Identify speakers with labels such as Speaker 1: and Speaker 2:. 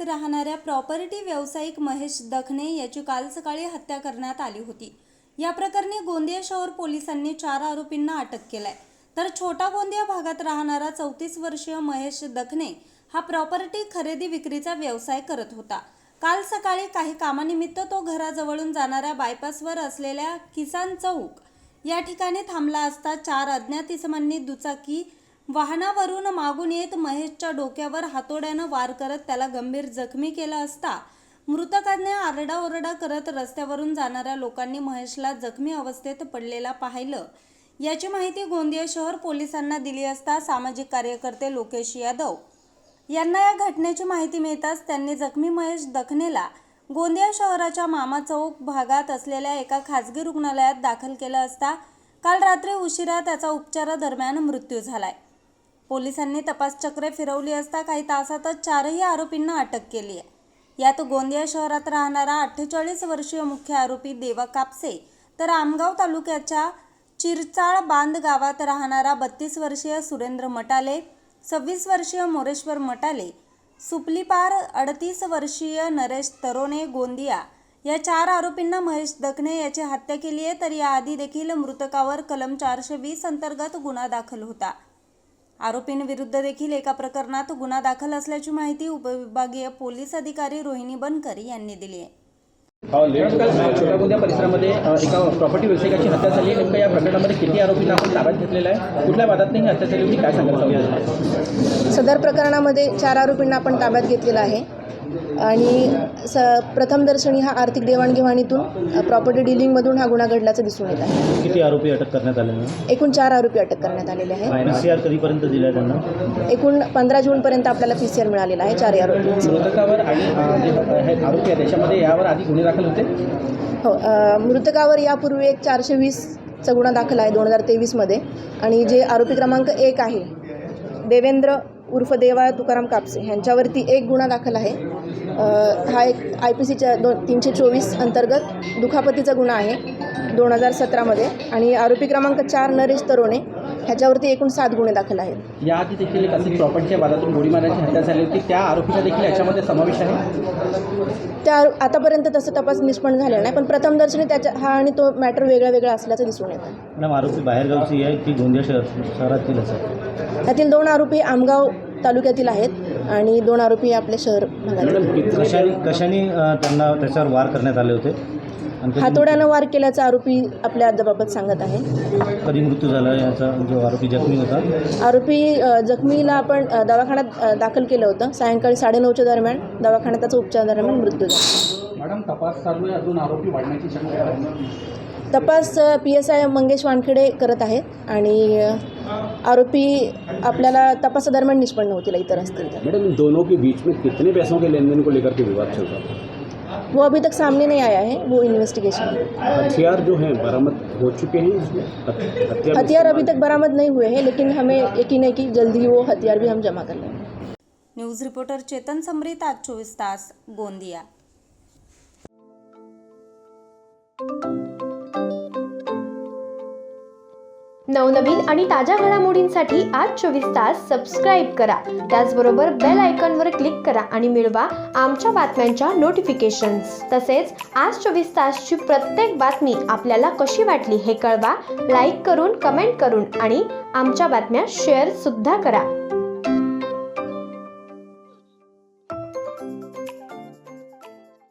Speaker 1: राहणाऱ्या प्रॉपर्टी व्यावसायिक महेश दखने याची काल सकाळी हत्या करण्यात आली होती। या प्रकरणी गोंदिया शहर पोलिसांनी 4 आरोपींना अटक केलाय। तर छोटा गोंदिया भागात राहणारा 34 वर्षीय महेश दखने हा प्रॉपर्टी खरेदी विक्रीचा व्यवसाय करत होता। काल सकाळी काही कामानिमित्त तो घराजवळून जाणाऱ्या बायपासवर असलेल्या किसान चौक या ठिकाणी थांबला असता 4 अज्ञात इसमांनी दुचाकी वाहनावरून मागून येत महेशच्या डोक्यावर हातोड्यानं वार करत त्याला गंभीर जखमी केलं असता मृतकाने आरडाओरडा करत रस्त्यावरून जाणाऱ्या लोकांनी महेशला जखमी अवस्थेत पडलेला पाहिलं। याची माहिती गोंदिया शहर पोलिसांना दिली असता सामाजिक कार्यकर्ते लोकेश यादव यांना या घटनेची माहिती मिळताच त्यांनी जखमी महेश दखनेला गोंदिया शहराच्या मामा चौक भागात असलेल्या एका खासगी रुग्णालयात दाखल केलं असता काल रात्री उशिरा त्याचा उपचारादरम्यान मृत्यू झालाय। पोलिसांनी तपास चक्रे फिरवली असता काही तासातच 4ही आरोपींना अटक केली आहे। यात गोंदिया शहरात राहणारा 48 वर्षीय मुख्य आरोपी देवा कापसे तर आमगाव तालुक्याच्या चिरचाळ बांध गावात राहणारा 32 वर्षीय सुरेंद्र मटाले, 26 वर्षीय मोरेश्वर मटाले, सुपलीपार 38 वर्षीय नरेश तरोने गोंदिया या 4 आरोपींना महेश दखने याची हत्या केली आहे। तर याआधी देखील मृतकावर कलम 420 अंतर्गत गुन्हा दाखल होता। आरोपींविरुद्ध देखील एका प्रकरणात गुन्हा दाखल असल्याची माहिती उपविभागीय पोलीस अधिकारी रोहिणी बनकर यांनी दिली आहे।
Speaker 2: छोटा गोंदिया परिसरामध्ये एका प्रॉपर्टी व्यावसायिकाची हत्या झाली। नेमकं या प्रकरणामध्ये किती आरोपींना आपण ताब्यात घेतलेला आहे, कुठल्या वादात ही हत्या झाली होती, काय सांगाल?
Speaker 3: सदर प्रकरणामध्ये 4 आरोपींना आपण ताब्यात घेतलेला आहे आणि प्रथमदर्शनी हा आर्थिक देवाणघेवाणीतून प्रॉपर्टी डिलिंगमधून हा गुन्हा घडल्याचं दिसून येत आहे।
Speaker 2: किती आरोपी अटक करण्यात आले?
Speaker 3: एकूण 4 आरोपी अटक करण्यात आलेले आहेत।
Speaker 2: PCR कधीपर्यंत दिला त्यांना?
Speaker 3: एकूण 15 जूनपर्यंत आपल्याला PCR मिळालेला आहे 4 आरोपी।
Speaker 2: मृतकावर आणि जे आरोपी आहे त्याच्यामध्ये यावर आधी गुन्हे दाखल होते?
Speaker 3: हो, मृतकावर यापूर्वी एक 420चा गुन्हा दाखल आहे 2023 मध्ये आणि जे आरोपी क्रमांक 1 आहे देवेंद्र उर्फ देवा तुकाराम कापसे ह्यांच्यावरती एक गुन्हा दाखल आहे। हा एक IPCच्या 324 अंतर्गत दुखापतीचा गुन्हा आहे 2017 मध्ये आणि आरोपी क्रमांक 4 नरेश तरोने ह्याच्यावरती एकूण 7 गुन्हे दाखल आहेत।
Speaker 2: याआधी देखील एक प्रॉपर्टीच्या वादातून गोळी मारण्याची हत्या झाली होती, त्या आरोपीचा देखील याच्यामध्ये समावेश आहे?
Speaker 3: त्या आतापर्यंत तसं तपास निष्पन्न झालेला नाही, पण प्रथमदर्शनी त्याच्या हा आणि तो मॅटर वेगळा असल्याचं दिसून येतं।
Speaker 2: मॅडम, आरोपी बाहेरगावची आहे की गोंदिया शहरातील आहे?
Speaker 3: त्यातील 2 आरोपी आमगाव तालुक्यातील आहेत आणि 2 आरोपी आपले शहर भागातील।
Speaker 2: कशाने त्यांना त्याच्यावर वार करण्यात आले होते?
Speaker 3: हातोड्यानं वार केल्याचा आरोपी आपल्या जबाबत सांगत आहे।
Speaker 2: कधी मृत्यू झाला याचा, जो आरोपी जखमी होता?
Speaker 3: आरोपी जखमीला आपण दवाखान्यात दाखल केलं होतं। सायंकाळी 9:30च्या दरम्यान दवाखान्यात त्याचा उपचारादरम्यान मृत्यू झाला।
Speaker 2: मॅडम, तपास चालू आहे, अजून आरोपी वाढण्याची शक्यता आहे?
Speaker 3: तपास PSI मंगेश वानखेडे करत आहेत आणि आरोपी आपल्याला तपासादरम्यान निष्पन्न होतील इतर असतील तर।
Speaker 4: मैडम, इन दोनों के बीच में कितने पैसों के लेन देन को लेकर के विवाद चल रहा था?
Speaker 3: वो अभी तक सामने नहीं आया है, वो इन्वेस्टिगेशन।
Speaker 4: हथियार जो हैं बरामद हो चुके हैं इसमें?
Speaker 3: हथियार अभी तक बरामद नहीं हुए हैं, लेकिन हमें यकीन है कि जल्दी वो हथियार भी हम जमा कर लेंगे।
Speaker 1: न्यूज रिपोर्टर चेतन समरीत, आज 24 तास, गोंदिया।
Speaker 5: नवनवीन आणि ताज्या घडामोडींसाठी आज 24 तास सबस्क्राईब करा। त्याचबरोबर बेल आयकॉनवर क्लिक करा आणि मिळवा आमच्या बातम्यांच्या नोटिफिकेशन्स। तसेच आज 24 तासची प्रत्येक बातमी आपल्याला कशी वाटली हे कळवा, लाईक करून, कमेंट करून आणि आमच्या बातम्या शेअर सुद्धा करा।